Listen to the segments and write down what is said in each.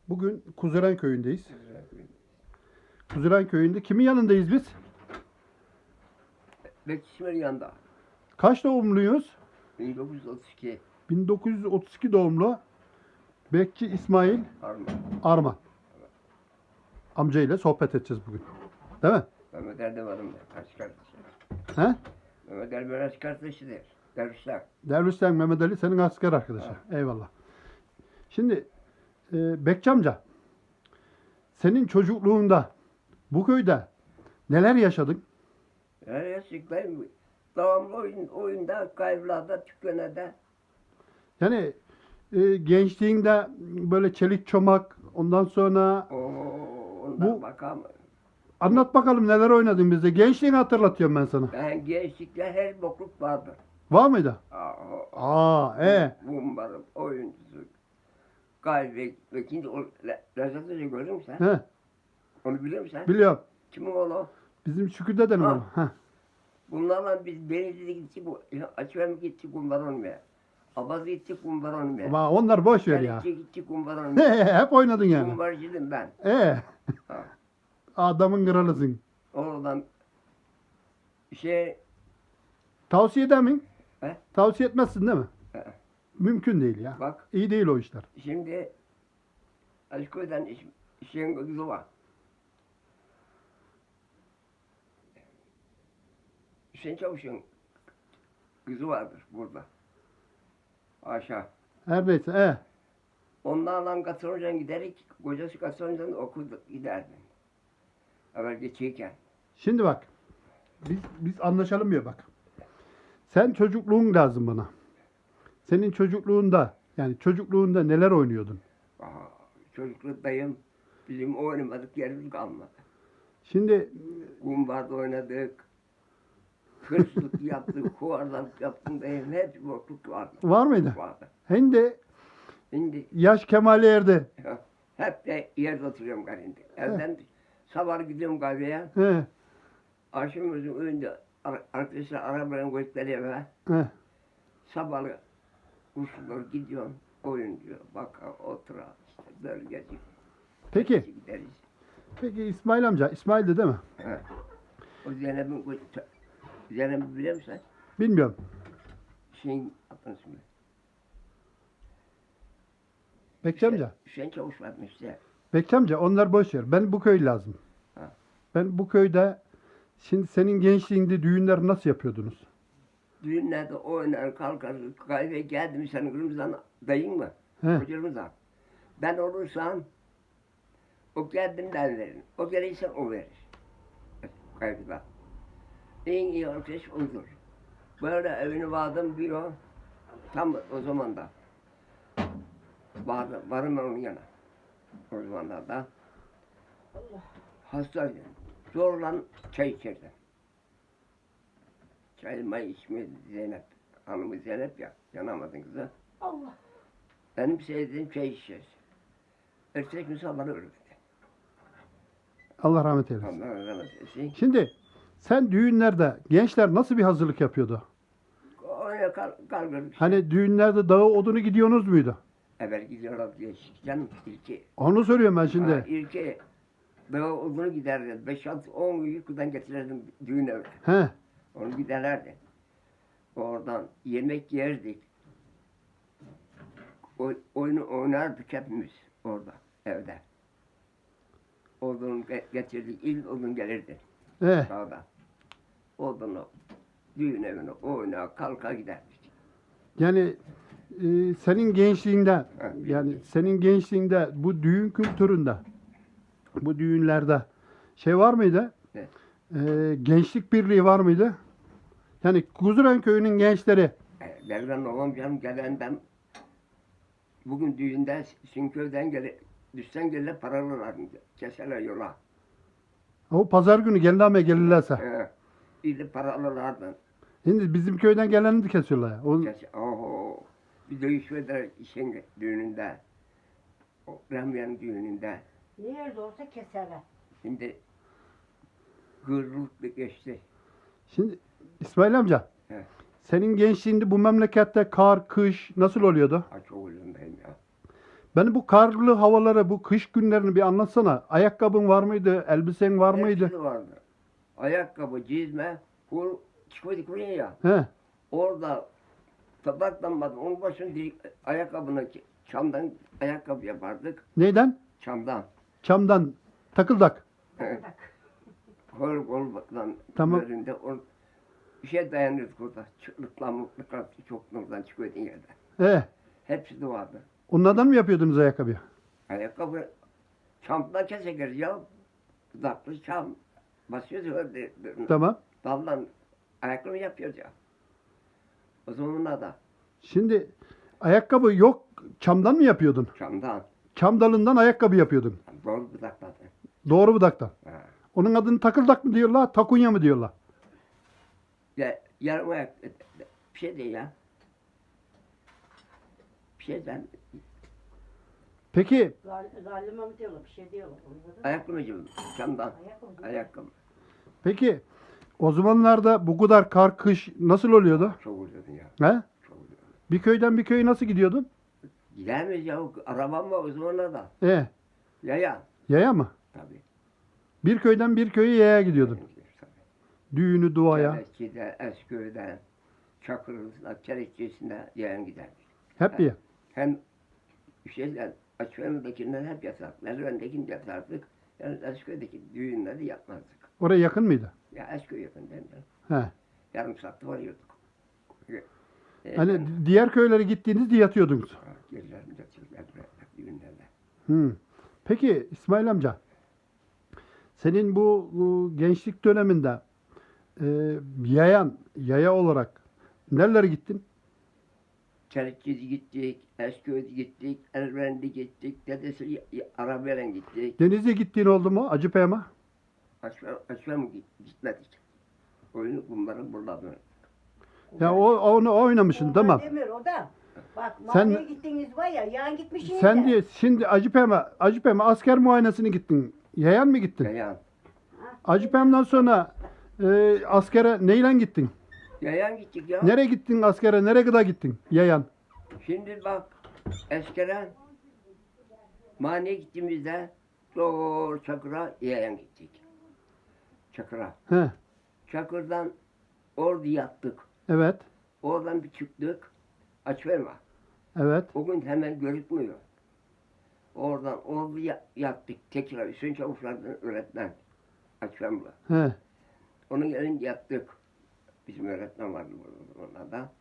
Bugün Kuzuren köyündeyiz. Kuzuren köyünde kimin yanındayız biz? Bekçiler yanında. Kaç doğumluyuz? 1932 1932 doğumlu Bekçi İsmail Arma. Arman. Amcayla sohbet edeceğiz bugün. Değil mi? Mehmet Erdoğan'ım da kaç kardeşi. He? Mehmet Erdoğan kaç kardeşidir. Dervişler. Dervişten Mehmet Ali senin asker arkadaşı. Eyvallah. Şimdi Bekçi amca, senin çocukluğunda bu köyde neler yaşadın? Her yaşıklayım. Devamlı oyunda, kayıplarda, tükönede. Yani gençliğinde böyle çelik çomak, ondan sonra Ondan Bu- bakalım. anlat bakalım neler oynadın bize. Gençliğini hatırlatıyorum ben sana. Ben gençlikte her bokluk vardır. Var mıydı? Aa, Bumbarım, oyuncusu. Kalbi, ikinci Rezzat Hoca gördün mü sen? He, Onu biliyor musun sen? biliyorum. Kimin oğlu? Bizim Şükrü dedenin Ha. oğlu. Heh. Bunlarla biz Denizli'de gittik, Açıverme gittik kumbar olmaya. Abaz'a gittik kumbar olmaya. Ama onlar boş ver ya. Haliç'e gittik kumbar olmaya. Hep oynadın yani. Kumbarcıydım ben. Ha. Adamın kralısın. Oradan Tavsiye eder miyim? He? Tavsiye etmezsin değil mi? He. Mümkün değil ya. Bak İyi değil o işler. şimdi Aşko'dan işin kızı var. Hüseyin Çavuş'un kızı vardır burada. Aşağı. Her neyse. Onlarla Katıroncan giderek, kocası Katıroncan'da okudu giderdi. Evvel geçiyken. Şimdi bak. Biz anlaşalım ya bak. Sen çocukluğun lazım bana. Senin çocukluğunda neler oynuyordun? Çocukluktayım. Bizim oynamadık yerimiz kalmadı. Şimdi Kumbarda oynadık. Hırsızlık yaptık, huvardalık yaptım dayım. Hep bokluk vardı. var mıydı? Vardı. Şimdi Şimdi yaş kemale erdi. hep de yerde oturuyorum garinde. Evden sabah gidiyorum kahveye. He, Akşam özüm önünde arkadaşlar arabayla gösteriyor eve. he. Sabahlı usullar gidiyorum. Oyuncu, bakar, oturar, işte böyle geziyor. Peki. Gideriz. Peki İsmail amca. İsmail'di değil mi? He. O Zeynep'i biliyor musun? Bilmiyorum. Şeyin adını söyle. Bekçi amca. Hüseyin Çavuş varmış işte. Bekçi amca onlar boş ver. Ben bu köy lazım. Ha. Ben bu köyde şimdi senin gençliğinde düğünler nasıl yapıyordunuz? Düğünlerde oynar, kalkar, kahve geldi mi senin kırmızıdan dayın mı? He. Hocamızdan. Ben olursam o kendimden verir. O gelirse o verir. Kahvede. En iyi arkadaş odur. Böyle evini vardım diyor. Tam o zaman da. Varım ben onun yana. O zamanlarda. Hastaydım. Zorla çay içerdim. Çay may içmedi Zeynep. Hanımı Zeynep ya. Yanamadın kızı. Allah. Benim sevdiğim çay içeceğiz. Ertesi gün sabahı öldü. Allah rahmet eylesin. Allah rahmet eylesin. Şimdi sen düğünlerde gençler nasıl bir hazırlık yapıyordu? Oraya kalkıyorduk. Hani düğünlerde dağı odunu gidiyorsunuz muydu? Evvel gidiyorlar diye canım ilki. Onu soruyorum ben şimdi. İlki daha uzun giderdi. 5-6-10 yukarıdan getirirdim düğün evine. He. Onu giderlerdi. Oradan yemek yerdik. Oyunu oynardık hepimiz orada evde. Odun getirdik. İlk odun gelirdi. He. Sağda. Odunu düğün evine oynar kalka giderdik. Yani senin gençliğinde Evet. yani senin gençliğinde bu düğün kültüründe bu düğünlerde şey var mıydı? Ne? Gençlik birliği var mıydı? Yani Kuzuren köyünün gençleri Devran babam canım gelenden bugün düğünde Sinköy'den düşsen gelir paralılar keserler yola. o pazar günü geliname gelirlerse. İyi para alırlardı. Şimdi bizim köyden geleni de kesiyorlar ya. Oho. Bir dövüş verdiler işin düğününde. O Ramyan'ın düğününde. Nerede olsa keserler. Şimdi gırlık geçti. Şimdi İsmail amca He. senin gençliğinde bu memlekette kar, kış nasıl oluyordu? Aç oğlundayım ya. Beni bu karlı havaları, bu kış günlerini bir anlatsana. Ayakkabın var mıydı? Elbisen var mıydı? Hepsi vardı. Ayakkabı, cizme, çıkıyorduk buraya ya. He. Orada tabaklanmadı. Onun başını ayakkabını çamdan ayakkabı yapardık. Neyden? Çamdan. Çamdan. Takıldak. Bak. Koldan Tamam. üzerinde bir şey dayanıyorduk orada. Çıklıkla mutlıkla çok nurdan çıkıyordun yerden. Hepsi de vardı. Onlardan mı yapıyordunuz ayakkabıyı? Ayakkabı çamdan keseriz ya. Dudaklı çam. Basıyoruz öyle. Tamam. Daldan ayakkabı yapıyoruz ya. O zamanlar da Şimdi ayakkabı yok. Çamdan mı yapıyordun? çamdan. Çam dalından ayakkabı yapıyordun. Doğru budakladı. Doğru budaktan. Ha. Onun adını takıldak mı diyorlar, takunya mı diyorlar? Ya, yarım ayak bir şey değil ya. Bir şeyden Peki Zalime mi diyorlar, bir şey diyorlar. Anladın mı? ayakkabı gibi çamdan Ayakkabı. ayakkabı. Peki o zamanlarda bu kadar kar kış nasıl oluyordu? Çok oluyordu ya. He? Çok oluyordu. Bir köyden bir köye nasıl gidiyordun? Gider miyiz ya? Arabam var o zamanlar da. Ya. Yaya mı? Tabii. Bir köyden bir köye yaya gidiyordun. Tabii. Düğünü, duaya. Kerekçi'de, Esköy'de, Çakır'da, Kerekçisi'nde yayan giderdik. Hep bir. Hem şeyden, Açıklar'dakinden hep yatardık. Merdiven'dekini de yatardık. Yani Esköy'deki düğünleri yapmazdık. Oraya yakın mıydı? Ya Eskoy yakın değil mi? He. Yarım saatte varıyorduk. Hani diğer köylere gittiğinizde yatıyordunuz. Gerilerinde çocuklar düğünlerde. Hı. Peki İsmail amca, senin bu gençlik döneminde yaya olarak nerelere gittin? Kerekçi'de gittik, Esköy'de gittik, Erben'de gittik, dedesi arabayla gittik. Denizli'ye gittiğin oldu mu? Acıpayam'a? Açığa mı gitmedik? Oyunu bunların burada böyle. Ya onu oynamışsın tamam. Demir o da. Bak Sen- mahalleye gittiniz var ya, yan gitmişsiniz Sen de. diye şimdi Acıpayam'a asker muayenesine gittin. Yayan mı gittin? Yayan. Acıpayam'dan sonra askere neyle gittin? Yayan gittik ya. Nereye gittin askere? Nereye kadar gittin? Yayan. Şimdi bak eskiden maniye gittiğimizde doğru Çakır'a yayan gittik. Çakır'a. He. Çakır'dan orada yattık. Evet. Oradan bir çıktık. Açverma. Evet. O gün hemen görükmüyor. Oradan orada yattık. Tekrar Hüseyin Çavuşlar'dan öğretmen. Açverma. He. Onun elinde yattık. Bizim öğretmen vardı burada da.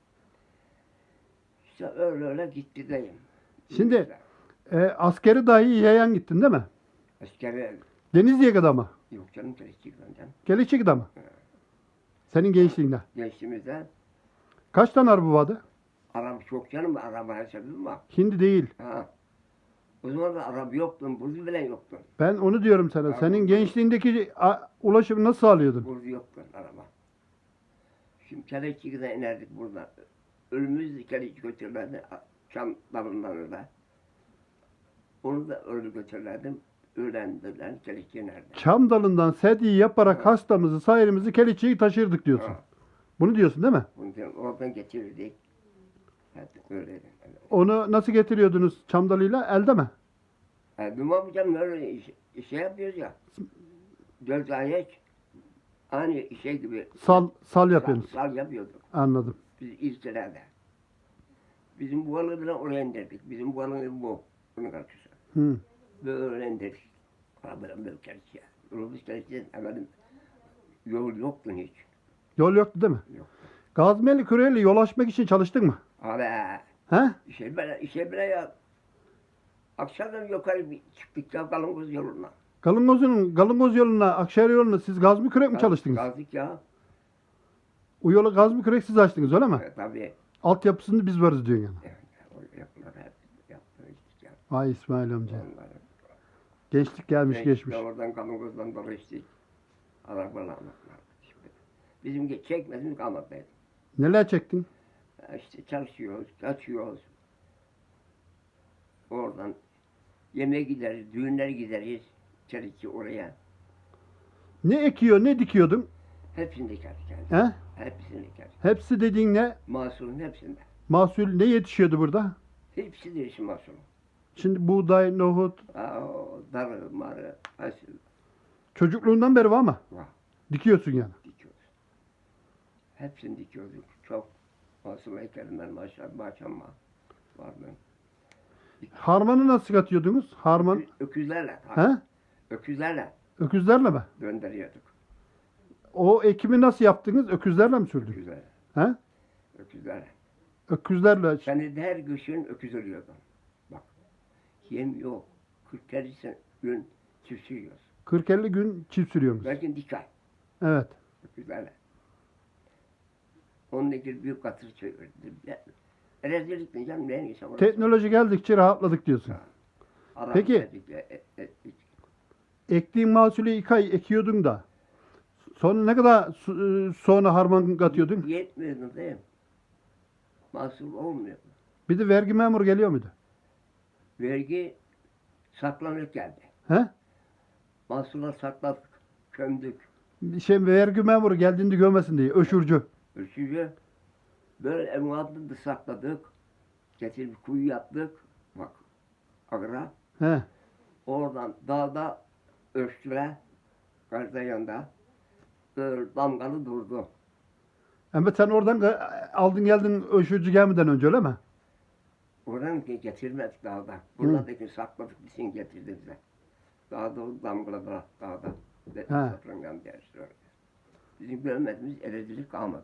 İşte öyle gitti deyim. Şimdi askeri dahi yayan gittin değil mi? Askere Denizli'ye kadar mı? yok canım Kerekçi'den canım. Gelecek kadar mı? Senin gençliğinde. Gençliğimizde Kaç tane araba vardı? araba çok canım. Araba hesabım var. Şimdi değil. Ha. O zaman da araba yoktu. Burdu bile yoktu. Ben onu diyorum sana. Araba. Senin gençliğindeki ulaşımı nasıl sağlıyordun? Burdu yoktu araba. Şimdi Kerekçi'den inerdik burada. Ölümümüz Kerekçi götürürlerdi. Çam dalından öyle. Onu da öyle götürürlerdim. Öğrendiler. Kerekçi'ye inerdi. Çam dalından sedye yaparak Ha. hastamızı, sayrimizi Keliçe'yi taşırdık diyorsun. Ha. Bunu diyorsun değil mi? Bunu diyorum, oradan getirirdik. Evet, öyleydi. Onu nasıl getiriyordunuz çam dalıyla? Elde mi? Bilmem canım öyle şey yapıyoruz ya. 4 ayak aynı şey gibi Sal yapıyorsunuz. sal yapıyorduk. Anladım. Biz ilçelerde. Bizim bu balığı oraya indirdik. Bizim bu balığı bu. Bunun karşısı. Hı. Böyle indirdik. Arabadan böyle kerçiye. Yolumuz kerçiye efendim. Yol yoktu hiç. Yol yoktu değil mi? Yok. Gazmeli Küre'yle yol açmak için çalıştın mı? Abi He? işe bile ya. Akşamdan yukarı bir çıktık ya Kalıngoz yoluna. Galıngoz yoluna, Akşehir yoluna siz gazmı kürek mi çalıştınız? Kaldık ya. O yolu gazmı kürek siz açtınız öyle mi? Tabii. Altyapısını biz varız diyorsun yani. Evet, o yapıları hep yaptık ya. Vay İsmail amca. Onları. Gençlik gelmiş geçmiş. Oradan Kalıngoz'dan dolaştık. Arabalarla. Bizim çekmediğimiz kalmadı. Neler çektin? İşte çalışıyoruz, kaçıyoruz. Oradan yemeğe gideriz, düğünlere gideriz. Çelikçi oraya. Ne ekiyor, ne dikiyordun? Hepsini dikerdik yani. He? Hepsini dikerdik. Hepsi dediğin ne? Mahsulün hepsinde. Mahsul ne yetişiyordu burada? Hepsi de işin mahsulü. Şimdi buğday, nohut Darı, marı, fasulye çocukluğundan beri var mı? var. Dikiyorsun yani. Dikiyoruz. Hepsini dikiyorduk. Çok masum heykelimden maşallah vardı. Harmanı nasıl katıyordunuz? Harman. Öküzlerle. He? Öküzlerle Öküzlerle mi? gönderiyorduk. O ekimi nasıl yaptınız? Öküzlerle mi sürdünüz? Öküzlerle. He? Öküzlerle. Öküzlerle. Seni de her gün öküz ölüyordum. Bak. Yem yok. 40 gün çiftçi yiyoruz. 40-50 gün çift sürüyorsunuz. Belki dikkat. Evet. Öküzlerle. Onun için büyük katır çevirdim. Rezillik diyeceğim. Ne neyse. Teknoloji geldikçe rahatladık diyorsun. Peki. Ektiğin mahsulü 2 ay ekiyordun da. Sonra ne kadar sonra harman katıyordun? Yetmiyordu değil mi? Mahsul olmuyor. Bir de vergi memuru geliyor muydu? Vergi saklanıp geldi. He? Mahsuller sakladık, kömdük. Vergi memuru geldiğinde görmesin diye. Öşürcü. Ölçücü böyle emuatını da sakladık. Getirip kuyu yaptık. Bak, agra. He. Oradan dağda ölçtüler. Karşıda yanında. Böyle damgalı durdu. Ama sen oradan aldın geldin öşürcü gelmeden önce öyle mi? Oradan getirmedik dağda. Buradaki sakladık bizim getirdi bize. Dağda o damgaladılar dağda. Satrangan dersi öyle. Bizim görmediğimiz eredilik kalmadı.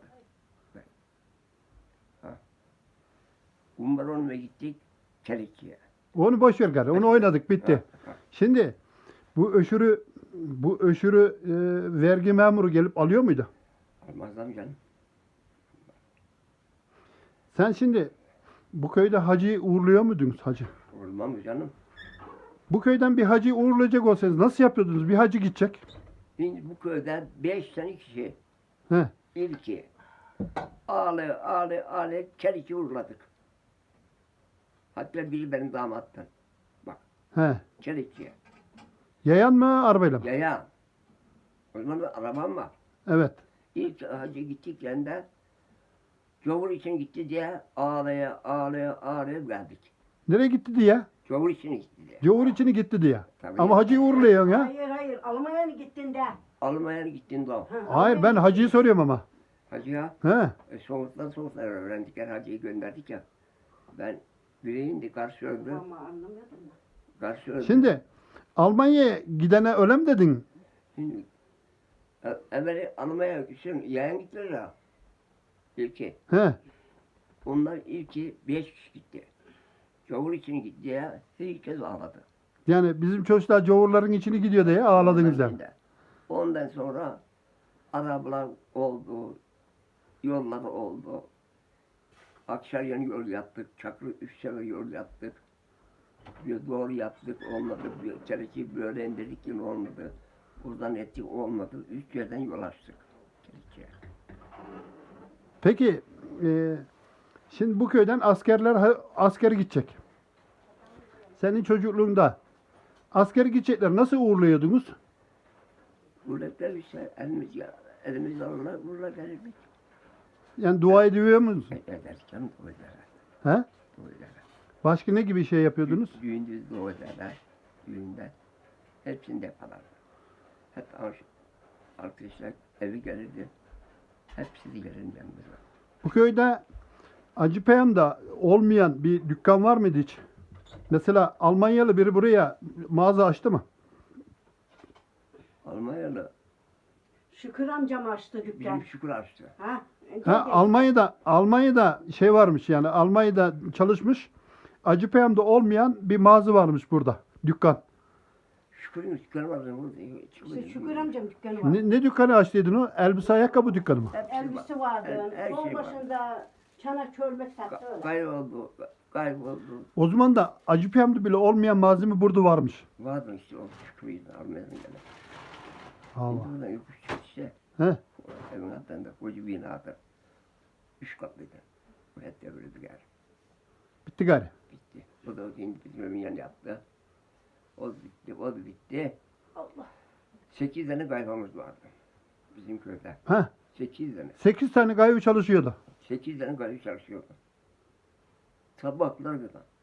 Umbaron'a gittik Çelikçi'ye. Onu boş ver gari. Onu oynadık bitti. Ha. Şimdi bu öşürü vergi memuru gelip alıyor muydu? Almazdan canım. Sen şimdi bu köyde hacıyı uğurluyor muydunuz hacı? Olmam mı canım? Bu köyden bir hacıyı uğurlayacak olsanız nasıl yapıyordunuz? Bir hacı gidecek. Şimdi bu köyde 5 tane kişi He. ilki ağlı Çelikçi uğurladık. Hatta biri benim damattan. Bak He. Çelikçi'ye. Yayan mı arabayla mı? Yaya. O zaman da arabam var. Evet. İlk hacı gittiklerinde Cavur için gitti diye ağlaya geldik. Nereye gitti diye? Cavur için gitti diye. Cavur içini gitti diye. Tabii. Ama hacıyı uğurluyorsun ya. Hayır Almanya'ya gittin de. Almanya'ya gittin de o. Ha, Hayır Almanya'ya ben gittin. hacıyı soruyorum ama. Hacıya He. soğuktan öğrendik. Hacıyı gönderdik ya. Ben bireyim de karşı öldü. Ama anlamıyordum da. Karşı öldü. Şimdi Almanya'ya gidene öyle mi dedin? Şimdi evveli Almanya'ya yayan gittiler ya. İlki. He. Onlar ilki 5 kişi gitti. Cavur için gitti diye herkes ağladı. Yani bizim çocuklar cavurların içini gidiyor diye ağladınız yani. Ondan sonra arabalar oldu, yollar oldu. Akşaryan yol yaptık, Çakır 3 sefer yol yaptık. Bir doğru yaptık, olmadı. Bir Çelikçi böyle indirdik yine olmadı. Buradan ettik, olmadı. 3 yerden yol açtık Çelikçi'ye. Peki şimdi bu köyden asker gidecek. Senin çocukluğunda asker gidecekler nasıl uğurluyordunuz? Gurbetler işte elimiz alırlar, vururlar gelirdik. Yani dua ediyor musunuz? Eder canım, dua ederler. He? Dua ederler. Başka ne gibi şey yapıyordunuz? Düğünde dua ederler, düğünde. Hepsini yaparlar. Hep arkadaşlar evi gelirdi. Hepsi de gelirdi yanımıza. Bu köyde Acıpayam'da olmayan bir dükkan var mıydı hiç? Mesela Almanyalı biri buraya mağaza açtı mı? Almanyalı Şükür amcam açtı dükkan. bizim Şükür açtı. Ha? Ha, Almanya'da şey varmış yani Almanya'da çalışmış. Acıpayam'da olmayan bir mağaza varmış burada. Dükkan. Şükür'ün dükkanı vardı. İşte Şükür amcam dükkanı var. Ne dükkanı açtıydın o? Elbise ayakkabı dükkanı mı? Elbise vardı. Her Yol şey var. başında çanak çölmek sattı öyle. Kayboldu. O zaman da Acıpayam'da bile olmayan malzeme burada varmış. Vardı işte o Şükür'ün Almanya'dan gelen. Allah. Şimdi buradan yokuş çıktı işte. He. Evin altında koca bir binada. 3 katlıydı. Bu hep devrildi gari. Bitti gari. Bitti. O da şimdi bizim evin yanı yaptı. O da bitti. Allah. 8 tane kayfamız vardı. Bizim köyde. Ha. 8 tane. 8 tane gaybi çalışıyordu. 8 tane kayıp çalışıyordu. Sabahlar kadar.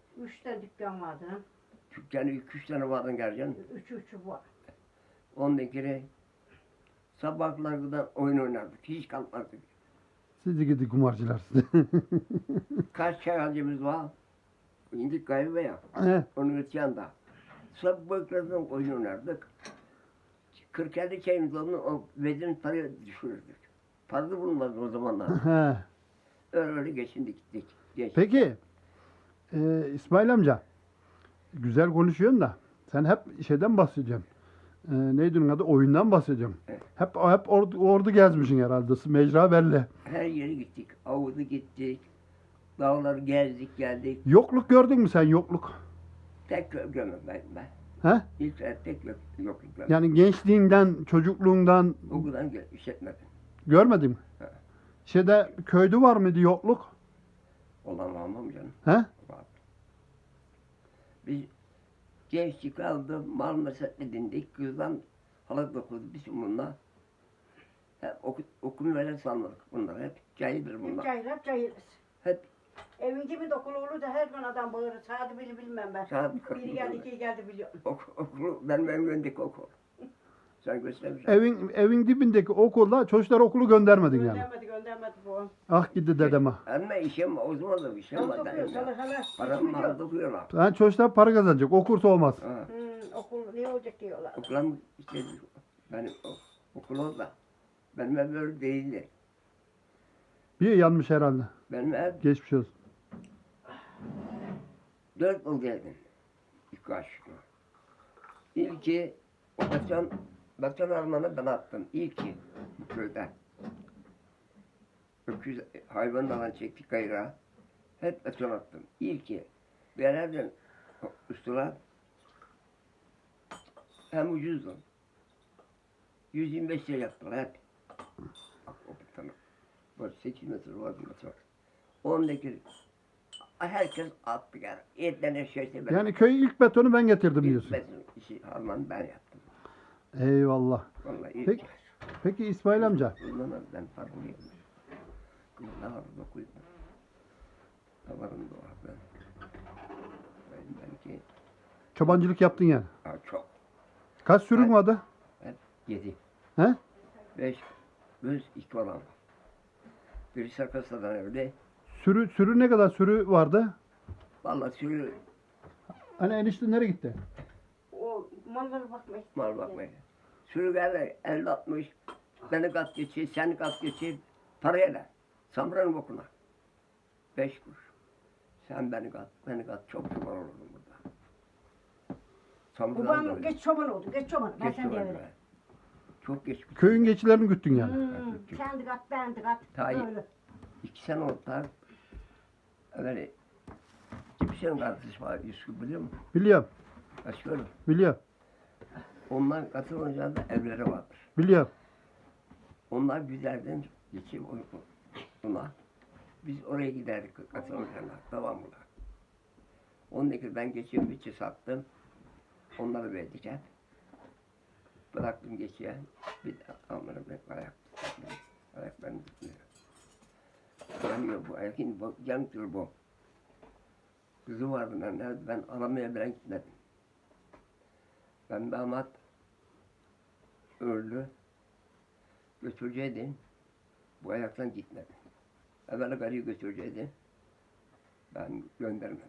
3 de dükkan vardı. Dükkanı 2-3 tane vardı gerçekten. Üçü var. Ondan kere sabahlardan oyun oynardık. Hiç kalkmazdık. Sizi gidi kumarcılar sizi. Kaç çay alacağımız var? İndik galiba ya. He. Onun yanında. Sabahlardan oyun oynardık. 40-50 çayımız oldu. O vezin parayı düşürürdük. Para da bulunmazdı o zamanlar. He. Öyle geçindik gittik. Geç. Peki İsmail amca güzel konuşuyorsun da sen hep şeyden bahsediyorsun. Neydi onun adı? Oyundan bahsediyorsun. Evet. Hep ordu gezmişsin herhalde. Mecra belli. Her yere gittik. Avuzu gittik. Dağları gezdik geldik. Yokluk gördün mü sen yokluk? Tek görmem ben. He? İlk tek yok görmedim. Yani gençliğinden, çocukluğundan Okuldan işletmedim. görmedin mi? He. Şeyde köyde var mıydı yokluk? Olan almam canım. He? Var. Biz gençlik aldı, mal meset edindik. Kızdan halat dokuduk biz bununla. Hep okul veren sanırdık bunlar. Hep cahildir bunlar. Hep cahiliz. Hep Evin gibi dokulu olur da her gün adam bağırır. Saati bilmem ben. saat Biri geldi, iki geldi biliyorum. okulu, benim önümdeki okul. Sen göstermişsin. Evin dibindeki okulda çocuklar okulu göndermedin yani. Göndermedi bu. Ah gitti dedeme. Ama işim o zaman da bir şey var. Param var dokuyorlar. Yani çocuklar para kazanacak. Okursa olmaz. Ha. Okul ne olacak diyorlar. Okulam işte benim okul orada. Benim ev böyle değildi. Bir yanmış herhalde. Benim ev Geçmiş olsun. 4 yıl geldim. İlk aşkına. İlki o Bakan Arman'a ben attım. İlki bu köyde. Öküz hayvanlardan çektik gayra. Hep beton attım. İlki. Bir yerlerden üstüne hem ucuzdu. 125 lira yaptılar hep. Bak o betonu. Böyle 8 metre vardı beton. Ondaki herkes attı yani. Etlerine şeyse ben. Yani köye ilk betonu ben getirdim İlk diyorsun. beton işi Alman ben yaptım. Eyvallah. Vallahi ilk. Peki, peki İsmail amca. Bundan ben farkındayım. Kızlar dokuydu. Tavarım doğar ben. Ben belki Çobancılık yaptın yani. çok. Kaç sürün Ben- vardı? Hep 7. He? 5. Göz 2 olan. Biri Sarkasa'dan evde. Sürü ne kadar sürü vardı? Vallahi sürü Hani enişte nereye gitti? O mallara bakmayın. mal bakmaya. Sürü geldi 50-60. Beni kat geçir, seni kat geçir. Paraya da. Samranın okuna. 5 kuruş. Sen beni kat. Çok çoban olurdum burada. Samran'dan Babam dolayı. geç çoban oldu. Geç çoban. Ben Geç sen çoban diye be. Çok geç bitti. Köyün geçilerini güttün yani. Sen de kat, ben de kat. Tayyip. Böyle. 2 sene oldu da. Öyle. Kimsenin kardeşi var. Yusuf biliyor musun? Biliyorum. Başkanım. Biliyorum. Ondan katılınca da evleri vardır. Biliyorum. Onlar güzelden geçip buna. Biz oraya giderdik katılınca devamlı. Ondaki ben geçiyorum içi sattım. Onları verdik hep. Bıraktım geçiye. Bir de onları ben ayak benim tutmuyor. Yanıyor bu ayakın bu yanıyor bu. Kızı vardı ben aramaya bile gitmedim. Ben damat öldü. Götüreceydin. Bu ayaktan gitmedi. Evvel karıyı götüreceydin. Ben göndermedim.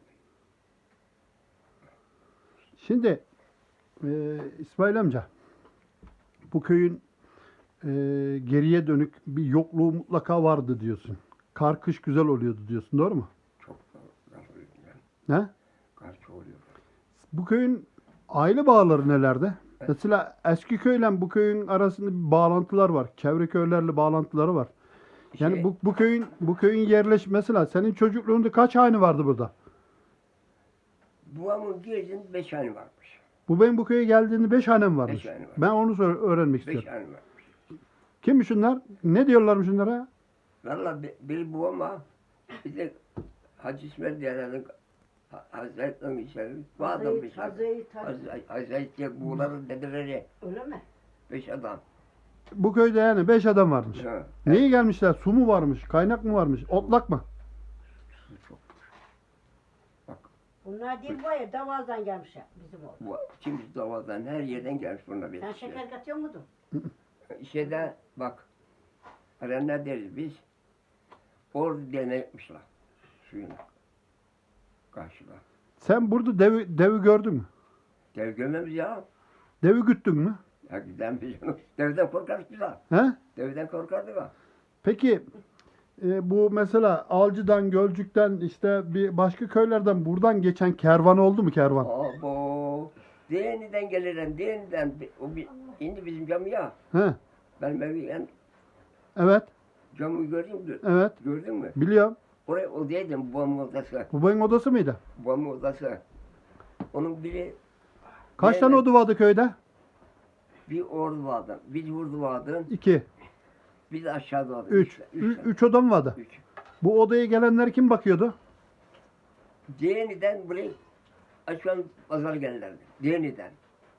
Şimdi İsmail amca bu köyün geriye dönük bir yokluğu mutlaka vardı diyorsun. Kar kış güzel oluyordu diyorsun. Doğru mu? Çok kar oluyor yani. Ne? Kar çok oluyor. Bu köyün aile bağları nelerde? Mesela eski köyle bu köyün arasında bir bağlantılar var. Çevre köylerle bağlantıları var. Yani Şey- bu köyün mesela senin çocukluğunda kaç hane vardı burada? Babamın girdin 5 hane varmış. Bu köye geldiğinde 5 hanem varmış. 5 hane var. Ben onu öğrenmek 5 istiyorum. hane varmış. Kim şunlar? Ne diyorlarmış şunlara? Valla bir babama bir de Hacı İsmail diyenlerin Hazretleri'nin içeri bu adam bir şey. Hazretleri buğuların dedeleri Öyle mi? 5 adam. Bu köyde yani 5 adam varmış. Ha. Niye gelmişler? Su mu varmış? Kaynak mı varmış? Otlak mı? Su çok. Bak Bunlar değil bu ya Davaz'dan gelmişler bizim oğlan. Bu, kimisi davadan her yerden gelmiş bunlar Sen benim. şeker katıyor muydun? Şeyde bak. Ne deriz biz? Ordu denetmişler. Suyuna. Karşıda. Sen burada devi gördün mü? Dev görmemiz ya. Devi güttün mü? Ya giden biz onu. Devden korkarız biz ha. He? Devden korkardık ha. Peki bu mesela Alcı'dan, Gölcük'ten işte bir başka köylerden buradan geçen kervan oldu mu kervan? Abo. Değeniden geliren, değeniden. O bir, indi bizim camı ya. He? Benim evi en Evet, camı gördün mü? evet. Gördün mü? Biliyorum. Oraya odaydım babamın odası. Babanın odası mıydı? Babamın odası. Onun biri Kaç tane oda vardı köyde? bir ordu vardı. Bir vurdu vardı. 2, Bir de aşağıda vardı. 3. Üç. 3 oda mı vardı? Üç. Bu odaya gelenler kim bakıyordu? Değeniden buraya açan pazar gelirlerdi. Değeniden.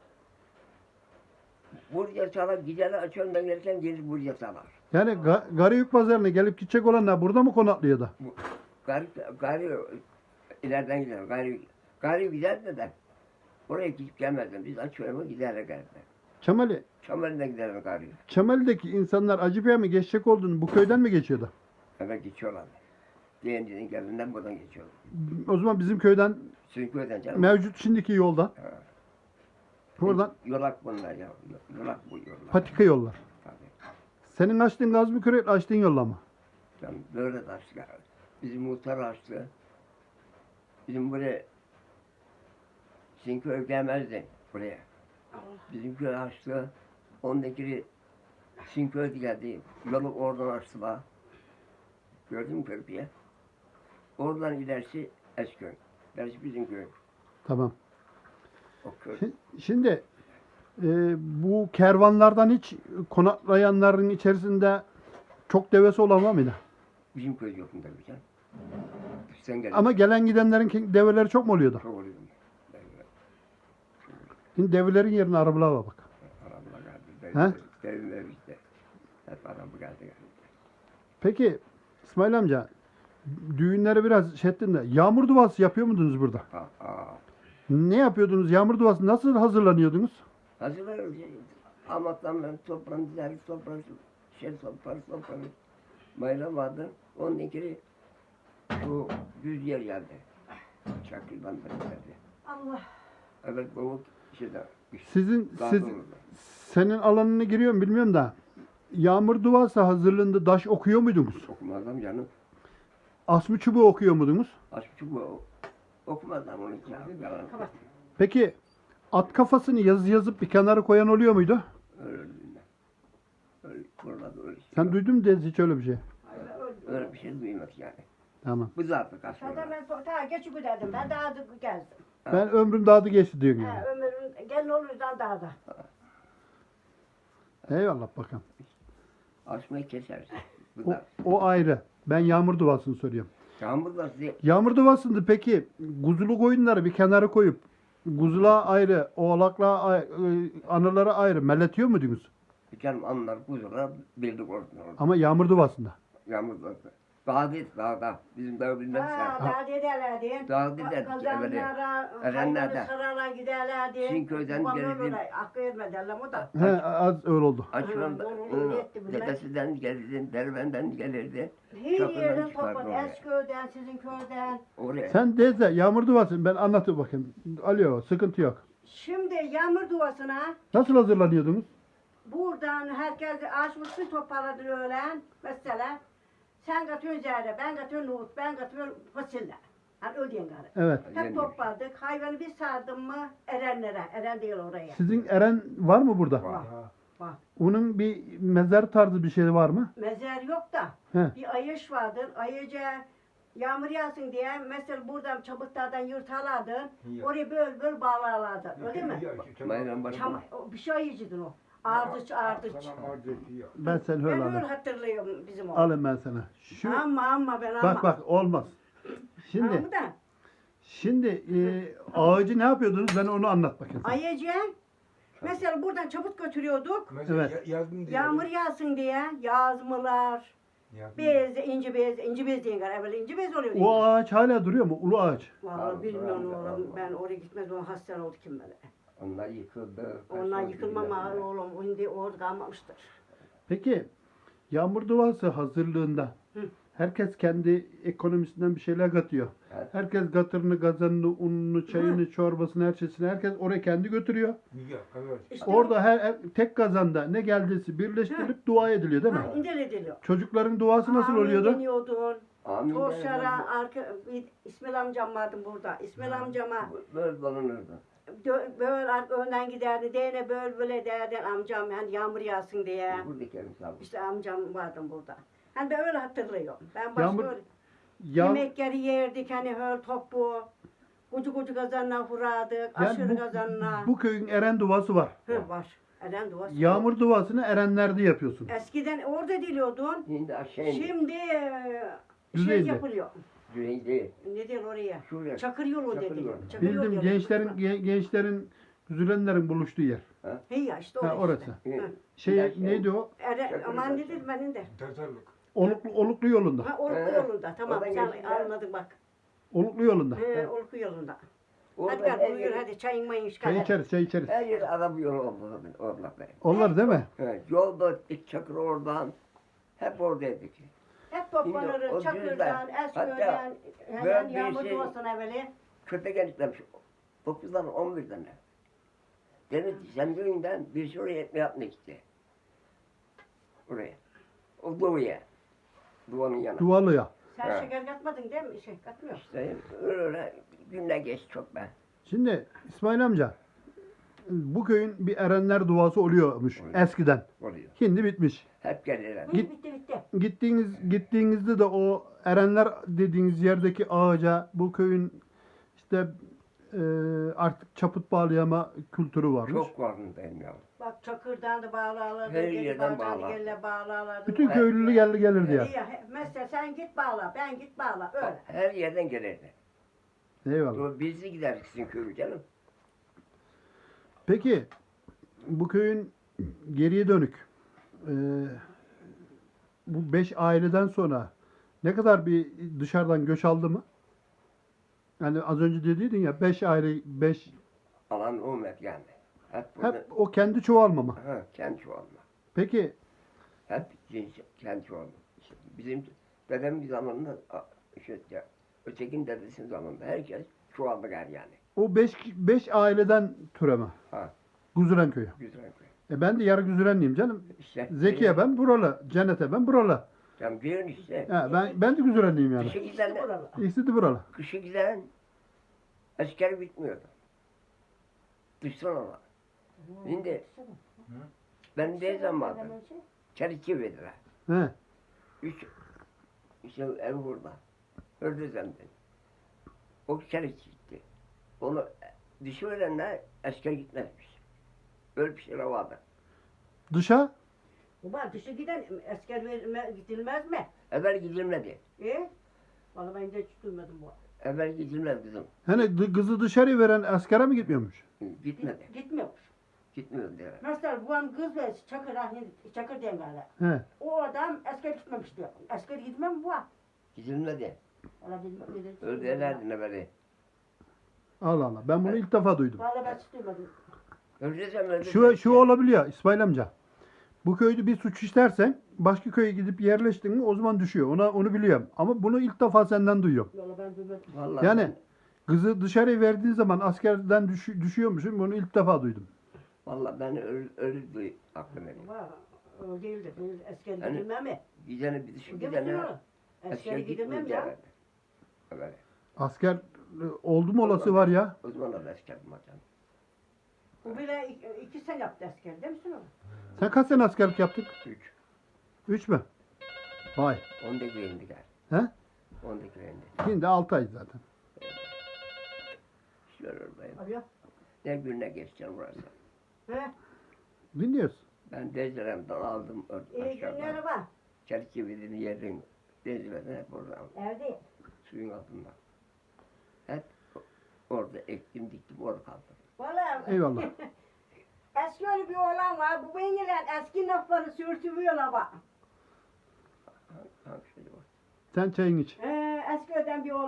Buraya çalar giderler açandan gelirken gelir buraya çalar. Yani Garıyük pazarına gelip gidecek olanlar burada mı konaklıyordu? Gari ileriden gider. Gari giderdi de oraya gidip gelmezdim. Biz açıyoruz giderler gelirler. Çamali, Çamarından giderler gari. Çamali'deki insanlar Acıpay'a mı geçecek olduğunu bu köyden mi geçiyordu? Evet geçiyorlar. Değeniden geldiğinden buradan geçiyorlar. O zaman bizim köyden Çünkü öden canım. mevcut şimdiki yoldan. Ha. Buradan Yolak bunlar ya. Yolak bu yollar. patika yollar. Tabii. Senin açtığın gaz mı kürek açtığın yolla mı? Yani böyle de açtı. Bizim muhtar açtı. Bizim buraya sizin köy gelmezdi buraya. Bizim köy açtı. Ondaki sizin köy geldi. Yolu oradan açtılar. Gördün mü köprüye? Oradan ilerisi Esköy. İlerisi bizim köy. Tamam. O köy. Şimdi bu kervanlardan hiç konaklayanların içerisinde çok devesi olan var mıydı? Bizim köy yok mu tabii canım. Sen gel. Ama gelen gidenlerin develeri çok mu oluyordu? Çok oluyor. Şimdi develerin yerine arabalar var bak. Arabla He? geldi. Devim ev işte. Hep araba geldi. Peki İsmail amca düğünleri biraz şey ettin de yağmur duası yapıyor muydunuz burada? Ne yapıyordunuz? Yağmur duası nasıl hazırlanıyordunuz? Hazırlarız. Amattan ben toprağın diğer toprağın toprağın. Bayram vardı. Onun ikili bu düz yer geldi. Çakırdan beri geldi. Allah. Evet bu şeyde. Senin alanına giriyorum bilmiyorum da yağmur duası hazırlığında daş okuyor muydunuz? Okumazdım canım. Asmı çubuğu okuyor muydunuz? Açık bu okumazdım onu yalan. Peki at kafasını yazıp bir kenara koyan oluyor muydu? Öyle öyle buralarda öyle. Sen duydun mu hiç öyle bir şey? Öyle bir şey duymadık yani. Tamam. Bu zaten Zaten aslında. ben daha geçip giderdim. Ben daha da gezdim. Ben ömrüm dağdı geçti diyorsun yani. Ha, ömrüm gelin olurdan daha da. Eyvallah bakalım. Açmayı keseriz. Bu da. O ayrı. Ben yağmur duasını soruyorum. Yağmur da size Yağmur duasında peki kuzulu koyunları bir kenara koyup kuzula ayrı, oğlakla anılara ayrı melletiyor muydunuz? canım anlar kuzular bildik orada. Ama yağmur duasında. Yağmur da. Dağ değil dağda. Bizim dağ bilmez Ha, ya. daha dedelerdi. Daha dedelerdi, Kazanlara, Erenler'de. hayvanı sarara giderlerdi. Sizin köyden Babam gelirdi. öyle hakkı etmediler o da. He, az öyle oldu. Açılan Ha, doğru, yetti bunlar. dedesinden gelirdi, derbenden gelirdi. Her Çakırdan yerden çıkardı topladı. oraya. Esköy'den, sizin köyden. Oraya. Sen teyze yağmur duası ben anlatayım bakayım. Alo sıkıntı yok. Şimdi yağmur duasına Nasıl hazırlanıyordunuz? buradan herkes açmışsın toparladı öğlen. Mesela sen katıyorsun zehre, ben katıyorum nohut, ben katıyorum fasulye. Hani ödeyen gari. Evet. Hep topladık. Hayvanı bir sardım mı erenlere. Eren değil oraya. Sizin Eren var mı burada? Var. Var. Onun bir mezar tarzı bir şey var mı? Mezer yok da He. bir ayış vardır. Ayıca yağmur yağsın diye mesela buradan çabuklardan yırtalardın. Oraya böyle bağlarlardın. Öyle mi? Bayram başı. Bir şey ayıcıdın o. Ardıç. Ben seni Ben öyle öyle alayım. hatırlıyorum bizim o. Alayım ben sana. Şu Ama ben ama. bak olmaz. Şimdi Ama da şimdi ağacı ne yapıyordunuz? Ben onu anlat bakayım. ayıca mesela buradan çabuk götürüyorduk. Evet. Yağmur yağsın diye yazmalar, Bez, inci bez diyen gara. Evvel inci bez oluyor. O ağaç hala duruyor mu? Ulu ağaç. Vallahi bilmiyorum Allah oğlum. Allah. Ben oraya gitmez o hasta oldu kim böyle. Onlar yıkıldı. Onlar yıkılmam ağır oğlum. Şimdi orada kalmamıştır. Peki yağmur duası hazırlığında Hı. herkes kendi ekonomisinden bir şeyler katıyor. Evet. Herkes gatırını, kazanını, ununu, çayını, çorbasını, her şeyini herkes oraya kendi götürüyor. İşte Orada tek kazanda ne geldiyse birleştirilip dua ediliyor değil mi? Ha, indel ediliyor. Çocukların duası nasıl Amin oluyordu? deniyordun. Amin. Torşara İsmail amcam vardı burada. İsmail amcama Böyle dolanırdı. böyle önden giderdi. Değne böyle derdi amcam yani yağmur yağsın diye. Buradaki misafir. İşte amcam vardı burada. Hani ben öyle hatırlıyorum. Ben başka Yağmur- öyle Ya, yemekleri yerdik hani höl topu. Kucu kazanına vurardık. yani Aşırı kazanına. bu köyün eren duası var. Hı, var. Eren duası. Yağmur duasını erenlerde yapıyorsun. Eskiden orada diliyordun. Şimdi aşağı indi. Şimdi şey Düzeyde. yapılıyor. Düzeyde. Ne diyor oraya? Şuraya. Çakır yolu Çakır dedi. yolu. Çakır yolu Bildim diyorlar. gençlerin güzülenlerin buluştuğu yer. He ya işte Ha, orası. orası. Işte. Hı. Şey neydi o? Eren, aman nedir benim de. Oluklu yolunda. Ha Olku He. yolunda. Tamam Oradan sen geçti ya. anladın bak. Oluklu yolunda. He Olku yolunda. Hadi Orada gel her buyur yer, hadi çayın mayın çıkar. Çay hadi. içeriz, çay içeriz. her yer araba yolu oldu orada. Onlar değil mi? Evet, yolda Çakır oradan. Hep oradaydık. Hep Şimdi o toplanırız Çakır'dan, düzden, Esköy'den, hemen ben bir yağmur şey- duasına evveli. Köpek eniştem 9'dan 11'den. Dedi ki sen düğünden bir sürü etme yapmak gitti. Oraya. O doğuya. Duvanın yanına. Duvalıya. Sen He. şeker katmadın değil mi? Şey katmıyor. İşte öyle günler geçti çok ben. Şimdi İsmail amca bu köyün bir erenler duası oluyormuş Oluyor. eskiden. Oluyor. şimdi bitmiş. Hep gelirler. Hı, bitti. Gittiğinizde de o erenler dediğiniz yerdeki ağaca bu köyün işte artık çaput bağlayama kültürü varmış. Çok farkındayım ya. Bak Çakır'dan da bağlarlardı. Her yerden bağlar. Gelle bağlarlardı. Bütün Bak, köylülü gelirdi ya. Mesela sen git bağla, ben git bağla. Öyle. Her yerden gelirdi. Eyvallah. Bizi giderdik sizin köyü canım. Peki bu köyün geriye dönük bu 5 aileden sonra ne kadar bir dışarıdan göç aldı mı? Yani az önce dediydin ya 5 aile 5 Alan olmadı yani. Hep burada. hep o kendi çoğalmama. Ha, kendi çoğalma. Peki Hep kendi çoğalma. İşte bizim dedemin zamanında işte ya, ötekin dedesinin zamanında herkes çoğaldı yani. o 5 aileden türeme. Ha, Güzüren köyü. güzel köy. Ben de yarı Güzürenliyim canım. İşte Zekiye ben buralı, Cennet'e ben buralı. Tam diyorsun işte. Ben de Güzürenliyim yani. Kışı İşte giden, buralı. İkisi de buralı. kışı giden asker bitmiyordu. Dıştan olan. Şimdi ben de zamanında çerçeve verdiler. He. İşte ev burada. Ördüzem'den. O çelik gitti. Onu düşürenler asker gitmezmiş. Öyle bir şey vardı. Dışa Baba dışı giden asker gidilmez mi? Evvel gidilmedi. Vallahi ben de hiç duymadım bu. Evvel gidilmez kızım. hani kızı dışarı veren askere mi gitmiyormuş? Gitmedi. Gitmiyormuş. Gitmiyor diyorlar. Mesela bu an kız ve Çakır diyen galiba. He. O adam asker gitmemiş diyor. Asker gitmem bu an. Gidilmedi. Valla bilmem ne dedi. Öyle derlerdi ne böyle. Allah Allah. Ben bunu ilk defa duydum. Valla ben hiç duymadım. Öldürsem öldü. Şu olabiliyor İsmail amca. Bu köyde bir suç işlersen başka köye gidip yerleştin mi o zaman düşüyor. Onu biliyorum. Ama bunu ilk defa senden duyuyorum. Valla ben duymadım. Vallahi Yani kızı dışarı verdiğin zaman askerden düşüyormuşum. Bunu ilk defa duydum. Vallahi ben öyle aklım benim. Valla öyle değildi. Asker Hani- gidilmem mi? Gidene bir düşün Demedim gidene. mi? Asker gidilmem ya. derlerdi. Öyle. Asker oldu mu olası var ya. O zaman da asker maçan. Bu bile 2 sene yaptı asker değil misin o? Sen kaç sene askerlik yaptık? 3. 3 mü? Vay. 10'da güvendi gel. He? 10'da güvendi. Şimdi 6 ay zaten. Şöyle oradayım. Arıyor. Ne gününe geçeceğim burası. He? Dinliyoruz. Ben Dezire'mden aldım İyi günler var. Çerçevelerini yerin. Dezire'den hep oradan. Evde. Suyun altında. Hep orada ektim diktim orada kaldım. Valla. Eyvallah. Eski öyle bir oğlan var. Bu benimle eski lafları sürtüyorlar bak. Hangisi var? Sen çayını iç. Eskiden bir